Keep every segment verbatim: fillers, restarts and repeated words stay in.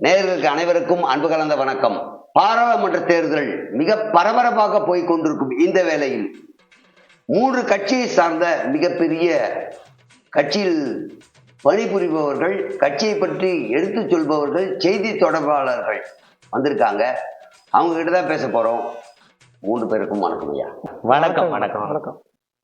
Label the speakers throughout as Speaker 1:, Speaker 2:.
Speaker 1: நேயர்களுக்கு அனைவருக்கும் அன்பு கலந்த வணக்கம். பாராளுமன்ற தேர்தல் மிக பரபரப்பாக போய்க் கொண்டிருக்கும் இந்த வேளையில் மூன்று கட்சியை சார்ந்த மிகப்பெரிய கட்சியில் பணிபுரிபவர்கள், கட்சியை பற்றி எடுத்து சொல்பவர்கள், செய்தி தொடர்பாளர்கள் வந்திருக்காங்க. அவங்க கிட்ட தான் பேச போறோம். மூன்று பேருக்கும் வணக்கம் ஐயா.
Speaker 2: வணக்கம் வணக்கம் வணக்கம்.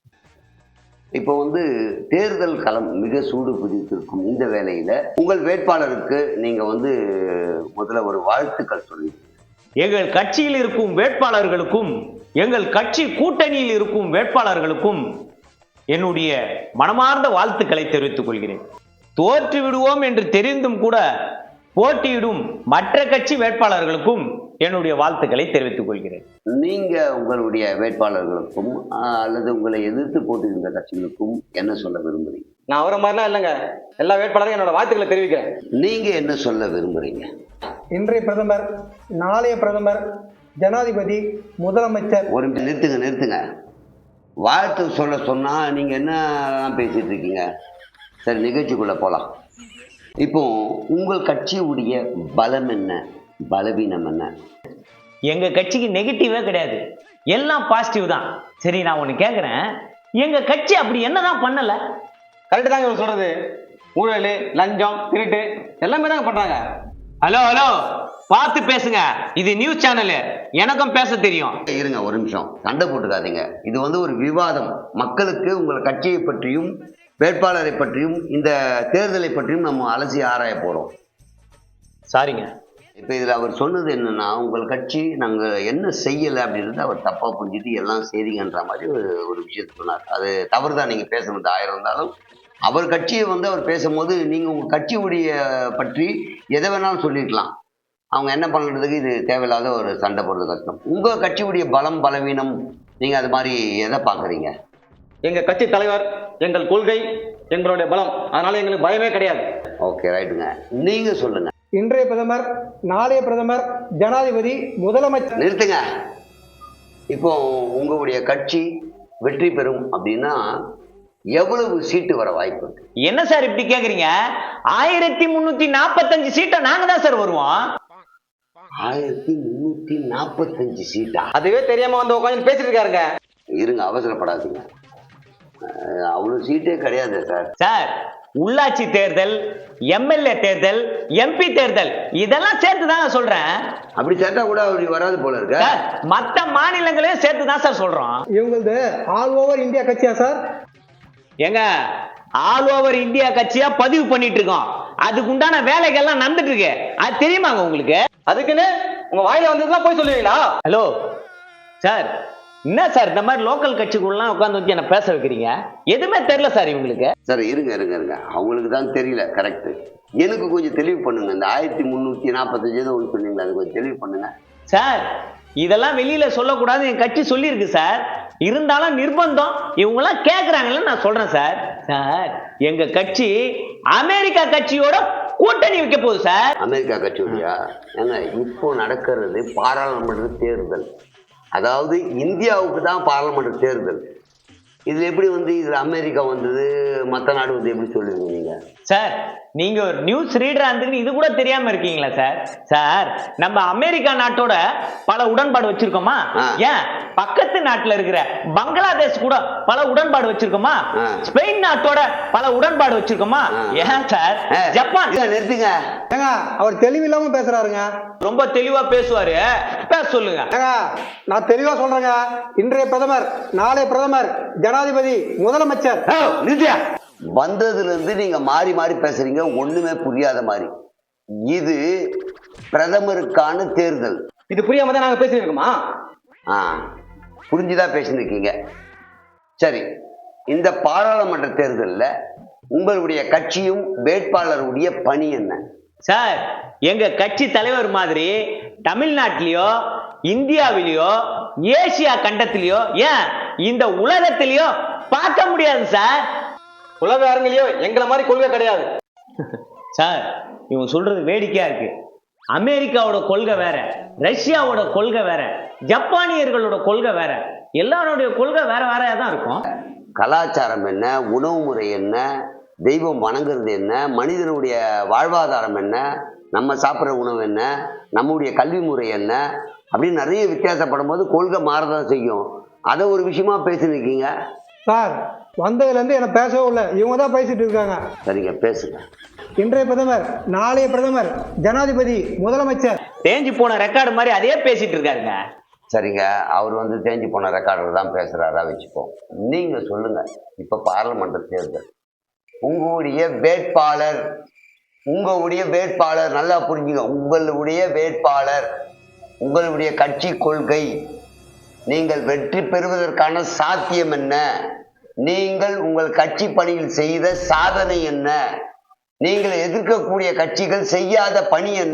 Speaker 1: இப்போ வந்து தேர்தல் களம் மிக சூடு பிடித்திருக்கும் இந்த வேளையில உங்கள் வேட்பாளருக்கு நீங்க வந்து முதல்ல ஒரு வாழ்த்துக்கள் சொல்லி.
Speaker 2: எங்கள் கட்சியில் இருக்கும் வேட்பாளர்களுக்கும் எங்கள் கட்சி கூட்டணியில் இருக்கும் வேட்பாளர்களுக்கும் என்னுடைய மனமார்ந்த வாழ்த்துக்களை தெரிவித்துக் கொள்கிறேன். தோற்று விடுவோம் என்று தெரிந்தும் கூட போட்டியிடும் மற்ற கட்சி வேட்பாளர்களுக்கும் என்னுடைய வாழ்த்துக்களை தெரிவித்துக் கொள்கிறேன்.
Speaker 1: நீங்க உங்களுடைய வேட்பாளர்களுக்கும் அல்லது உங்களை எதிர்த்து போட்டியிருந்த கட்சிகளுக்கும் என்ன சொல்ல விரும்புறீங்க?
Speaker 3: நான் அவரை மாதிரிலாம் இல்லைங்க. எல்லா வேட்பாளரும் என்னோட வாழ்த்துக்களை தெரிவிக்கிறேன்.
Speaker 1: நீங்க என்ன சொல்ல விரும்புறீங்க?
Speaker 4: இன்றைய பிரதமர், நாளைய பிரதமர், ஜனாதிபதி, முதலமைச்சர்.
Speaker 1: ஒரு நிறுத்துங்க நிறுத்துங்க வாழ்த்து சொல்ல சொன்னா நீங்க என்ன பேசிட்டு இருக்கீங்க? சரி, நிகழ்ச்சிக்குள்ள போலாம். இப்போ உங்கள் கட்சியுடைய பலம் என்ன, பலவீனம் என்ன?
Speaker 2: எங்க கட்சிக்கு நெகட்டிவே கிடையாது, எல்லாம் பாசிட்டிவ் தான். சரி, நான் ஒண்ணு கேக்குறேன், எங்க கட்சி அப்படி என்னதான் பண்ணல?
Speaker 3: கரெக்டு தாங்க இவர் சொல்றது. ஊழல், லஞ்சம், திருட்டு எல்லாமே தாங்க பண்றாங்க.
Speaker 2: ஹலோ ஹலோ பார்த்து பேசுங்க, இது நியூஸ் சேனல், எனக்கும் பேச தெரியும்.
Speaker 1: இருங்க ஒரு நிமிஷம், சண்டை போட்டுக்காதீங்க. இது வந்து ஒரு விவாதம். மக்களுக்கு உங்கள் கட்சியை பற்றியும் வேட்பாளரை பற்றியும் இந்த தேர்தலை பற்றியும் நம்ம அலசி ஆராய போறோம்.
Speaker 2: சாரிங்க.
Speaker 1: இப்போ இதில் அவர் சொன்னது என்னன்னா, உங்கள் கட்சி நாங்கள் என்ன செய்யலை அப்படின்றத அவர் தப்பாக புரிஞ்சுட்டு எல்லாம் செய்திங்கன்ற மாதிரி ஒரு ஒரு விஷயத்தை சொன்னார். அது தவறு தான், நீங்கள் பேசணும் ஆயிரம் இருந்தாலும். அவர் கட்சியை வந்து அவர் பேசும்போது நீங்கள் உங்கள் கட்சியுடைய பற்றி எதை வேணாலும் சொல்லியிருக்கலாம். அவங்க என்ன பண்ணுறதுக்கு இது தேவையில்லாத ஒரு சண்டை போடுறது கஷ்டம். உங்கள் கட்சியுடைய பலம் பலவீனம் நீங்கள் அது மாதிரி எதை பார்க்குறீங்க?
Speaker 3: எங்க கட்சி தலைவர், எங்கள் கொள்கை, எங்களுடைய பலம். அதனால எங்களுக்கு பயமே கிடையாது.
Speaker 1: ஓகே, ரைட்டுங்க. நீங்கள் சொல்லுங்க.
Speaker 4: இன்றைய பிரதமர், நாளைய பிரதமர், ஜனாதிபதி, முதலமைச்சர்.
Speaker 1: நிறுத்துங்க. இப்போ உங்களுடைய கட்சி வெற்றி பெறும் அப்படின்னா எவ்வளவு சீட்டு வர வாய்ப்பு இருக்கு?
Speaker 2: என்ன சார் இப்படி கேக்குறீங்க? ஆயிரத்தி முன்னூத்தி நாற்பத்தஞ்சு சீட்டை நாங்க தான் சார் வருவோம்.
Speaker 1: ஆயிரத்தி முன்னூத்தி நாற்பத்தஞ்சு சீட்டா?
Speaker 3: அதுவே தெரியாம வந்து உட்காந்து பேசிட்டு இருக்காருங்க.
Speaker 1: இருங்க, அவசரப்படாதீங்க. அவ்வளவு சீட்டே கிடையாது சார்.
Speaker 2: சார், உள்ளாட்சி தேர்தல், எம்எல்ஏ தேர்தல், எம்பி தேர்தல் இதெல்லாம் சேர்த்து தான் சொல்றேன்.
Speaker 1: அப்படி சேர்த்தா கூட அப்படி வராது போல இருக்க.
Speaker 2: மற்ற மாநிலங்களையும் சேர்த்து தான் சார் சொல்றோம்.
Speaker 4: இவங்களது ஆல் ஓவர் இந்தியா கட்சியா சார்?
Speaker 2: எங்க ஆல் ஓவர் இந்தியா கட்சியா பதிவு பண்ணிட்டு இருக்கோம். அதுக்கு உண்டான வேலைகள்லாம் நடந்துட்டு இருக்கு. அது தெரியுமாங்க உங்களுக்கு?
Speaker 3: அதுக்குன்னு உங்க வாயில வந்ததுலாம் போய் சொல்லுவீங்களா?
Speaker 2: ஹலோ சார், என்ன சார் இந்த மாதிரி லோக்கல் கட்சிக்குள்ளலாம் உட்காந்து வச்சு என்ன பேச வைக்கிறீங்க? எதுவுமே தெரியல சார் இவங்களுக்கு.
Speaker 1: சார் இருங்க இருங்க இருங்க அவங்களுக்கு தான் தெரியல. கரெக்ட். எனக்கு கொஞ்சம் தெளிவு பண்ணுங்க. இந்த ஆயிரத்தி முன்னூத்தி நாற்பத்தஞ்சு ஏதோ ஒன்று சொன்னீங்களா, அது கொஞ்சம் தெளிவு பண்ணுங்க
Speaker 2: சார். இதெல்லாம் வெளியில சொல்லக்கூடாது என் கட்சி சொல்லியிருக்கு சார். இருந்தாலும் நிர்பந்தம், இவங்கெல்லாம் கேட்கறாங்கன்னு நான் சொல்றேன் சார். சார், எங்க கட்சி அமெரிக்கா கட்சியோட கூட்டணி வைக்க போகுது சார்.
Speaker 1: அமெரிக்கா கட்சியோடயா? ஏங்க, இப்போ நடக்கிறது பாராளுமன்ற தேர்தல். அதாவது இந்தியாவுக்கு தான் பாராளுமன்ற தேர்தல். இதுல எப்படி வந்து இதுல அமெரிக்கா வந்தது, மற்ற நாடு வந்து எப்படி சொல்லுவீங்க நீங்க?
Speaker 2: சார், நீங்க ஒரு நியூஸ் ரீடரா இருந்து இது கூட தெரியாம இருக்கீங்களா சார்? சார், நம்ம அமெரிக்கா நாட்டோட பல உடன்பாடு வச்சிருக்கோமா? ஏன் பக்கத்து நாட்டுல இருக்கிற பங்களாதேஷ் கூட பல உடன்பாடு வச்சிருக்கோமா? ஸ்பெயின் நாட்டோட பல உடன்பாடு வச்சிருக்கோமா? ஏன் சார் ஜப்பான்?
Speaker 1: நிறுத்துங்க.
Speaker 4: ஏங்க, அவர் தெளிவில்லாம பேசுறாருங்க.
Speaker 2: ரொம்ப தெளிவா பேசுவாரு, பேச சொல்லுங்க.
Speaker 4: ஏங்க, நான் தெளிவா சொல்றேங்க. இன்றைய பிரதமர், நாளைய பிரதமர், ஜனாதிபதி, முதலமைச்சர்.
Speaker 1: நிறுத்தியா? வந்ததுல இருந்து நீங்க மாறி மாறி பேசுறீங்க, ஒண்ணுமே புரியாத மாதிரி. இது பிரதமருக்கான தேர்தல்.
Speaker 3: இது புரியாம தான் நாங்க பேசிருக்கோமா?
Speaker 1: ஆ, புரிஞ்சுதான் பேசிருக்கீங்க. சரி, இந்த பாராளுமன்ற தேர்தலில் உங்களுடைய கட்சியும் வேட்பாளருடைய பணி என்ன?
Speaker 2: சார், எங்க கட்சி தலைவர் மாதிரி தமிழ்நாட்டிலேயோ இந்தியாவிலேயோ ஏசியா கண்டத்திலேயோ ஏன் இந்த உலகத்திலேயோ பார்க்க முடியாது சார்.
Speaker 3: உலக அரங்கிலேயோ எங்களை மாதிரி கொள்கை கிடையாது
Speaker 2: சார். இவங்க சொல்றது வேடிக்கையா இருக்கு. அமெரிக்காவோட கொள்கை வேற, ரஷ்யாவோட கொள்கை வேற, ஜப்பானியர்களோட கொள்கை வேற, எல்லாருடைய கொள்கை வேற வேறையா தான் இருக்கும்.
Speaker 1: கலாச்சாரம் என்ன, உணவு முறை என்ன, தெய்வம் வணங்குறது என்ன, மனிதனுடைய வாழ்வாதாரம் என்ன, நம்ம சாப்பிட்ற உணவு என்ன, நம்முடைய கல்வி முறை என்ன அப்படின்னு நிறைய வித்தியாசப்படும் போது கொள்கை மாறதான் செய்யும். அதை ஒரு விஷயமா பேசினிருக்கீங்க.
Speaker 4: சார் வந்ததுலேருந்து என்ன பேசவே இல்லை, இவங்க தான் பேசிட்டு இருக்காங்க.
Speaker 1: சரிங்க, பேசுங்க.
Speaker 4: இன்றைய பிரதமர், நாளைய பிரதமர், ஜனாதிபதி, முதலமைச்சர்.
Speaker 2: தேஞ்சு போன ரெக்கார்டு மாதிரி அதே பேசிட்டு இருக்காருங்க.
Speaker 1: சரிங்க, அவர் வந்து தேஞ்சு போன ரெக்கார்டர் தான் பேசுகிறாரா வச்சுப்போம். நீங்கள் சொல்லுங்கள், இப்போ பார்லமெண்ட் தேர்தல், உங்களுடைய வேட்பாளர் உங்களுடைய வேட்பாளர் நல்லா புரிஞ்சுங்க, உங்களுடைய வேட்பாளர், உங்களுடைய கட்சி கொள்கை, நீங்கள் வெற்றி பெறுவதற்கான சாத்தியம் என்ன, நீங்கள் உங்கள் கட்சி பணியில் செய்த சாதனை என்ன, நீங்கள் எதிர்க்கக்கூடிய கட்சிகள் செய்யாத பணி என்ன,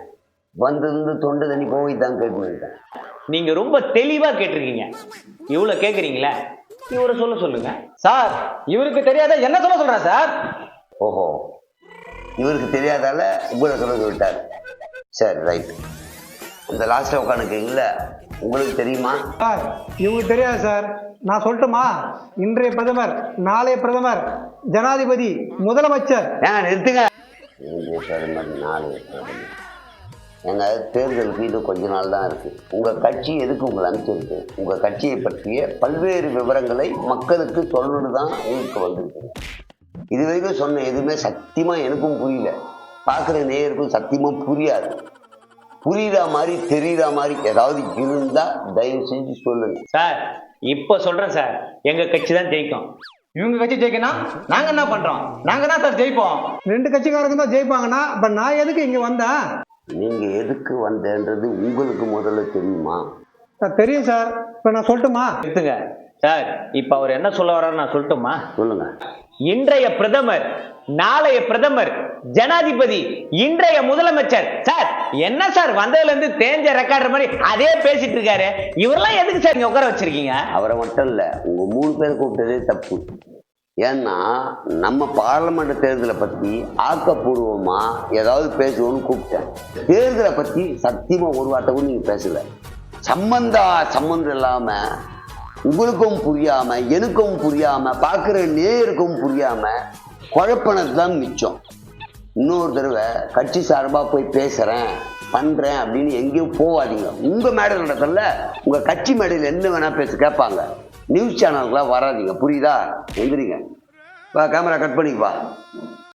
Speaker 1: வந்து தொண்டு தண்ணி போய் தான் கேட்க.
Speaker 2: நீங்க ரொம்ப தெளிவா கேட்டிருக்கீங்க. இவ்வளவு கேக்குறீங்களா, இவரை சொல்ல சொல்லுங்க.
Speaker 3: சார் இவருக்கு தெரியாத என்ன சொல்ல சொல்றேன் சார்.
Speaker 1: ஓஹோ, இவருக்கு தெரியாதால உங்களை சொல்ல சொல்லிட்டார். சரி, ரைட். இந்த லாஸ்ட் உட்காந்துக்கீங்கள, உங்களுக்கு தெரியுமா?
Speaker 4: சார் இவங்களுக்கு தெரியாது சார், நான் சொல்லட்டுமா? இன்றைய பிரதமர், நாளைய பிரதமர், ஜனாதிபதி, முதலமைச்சர்.
Speaker 1: ஏங்க நிறுத்துங்க. இன்றைய பிரதமர், நாளைய பிரதமர். ஏங்க தேர்தலுக்கு இது கொஞ்ச நாள் தான் இருக்குது. உங்கள் கட்சி எதுக்கு உங்களை அனுப்பிச்சிருக்கு? உங்கள் கட்சியை பற்றிய பல்வேறு விவரங்களை மக்களுக்கு சொல்லணுன்னு தான் உங்களுக்கு வந்திருக்கு. இது வரைக்கும் சொன்ன எதுவுமே சத்தியமாக எனக்கும் புரியல, பார்க்குற நேயருக்கும் சத்தியமாக புரியாது. புரியுற மாதிரி தெரியுற மாதிரி ஏதாவது இருந்தால் தயவு செஞ்சு சொல்லுங்க
Speaker 2: சார். இப்போ சொல்கிறேன் சார், எங்கள் கட்சி தான் ஜெயிக்கும்.
Speaker 3: இவங்க கட்சி ஜெயிக்கணும், நாங்க என்ன பண்றோம்? நாங்க தான் சார் ஜெயிப்போம்.
Speaker 4: ரெண்டு கட்சிக்காரங்க தான் ஜெயிப்பாங்கன்னா அப்ப நான் எதுக்கு இங்க வந்தேன்?
Speaker 1: நீங்க எதுக்கு வந்தேன்றது உங்களுக்கு முதல்ல தெரியுமா?
Speaker 4: சார் தெரியும் சார், இப்ப நான் சொல்லட்டுமா?
Speaker 2: எடுத்துங்க சார். இப்போ அவர் என்ன சொல்ல வர்றாரு நான் சொல்லட்டுமா?
Speaker 1: சொல்லுங்க.
Speaker 2: இன்றைய பிரதமர், நாளைய பிரதமர், ஜனாதிபதி, இன்றைய முதலமைச்சர். சார் என்ன சார் வந்ததுல இருந்து தேஞ்ச ரெக்கார்டர் மாதிரி அதே பேசிட்டு இருக்காரு. இவரெல்லாம் எதுக்கு சார் இங்க உட்கார வச்சிருக்கீங்க?
Speaker 1: அவரை மட்டும் இல்ல, உங்க மூணு பேர் கூப்பிட்டதே தப்பு. ஏன்னா நம்ம பார்லமெண்ட் தேர்தலை பத்தி ஆக்கப்பூர்வமா ஏதாவது பேசுவோம்னு கூப்பிட்டேன். தேர்தலை பத்தி சத்தியமா ஒரு வார்த்தை கூட நீங்க பேசல. சம்பந்தா சம்பந்தம் இல்லாம, உங்களுக்கும் புரியாம, எனக்கும் புரியாம, பார்க்குற நேயருக்கும் புரியாம குழப்பினது தான் மிச்சம். இன்னொரு தடவை கட்சி சார்பாக போய் பேசுகிறேன் பண்ணுறேன் அப்படின்னு எங்கேயும் போகாதீங்க. உங்கள் மேடை நடத்தல, உங்கள் கட்சி மேடையில் என்ன வேணால் பேச கேட்பாங்க. நியூஸ் சேனலுக்குலாம் வராதிங்க, புரியுதா? எந்திரிங்க, வா கேமரா கட் பண்ணிக்குவா.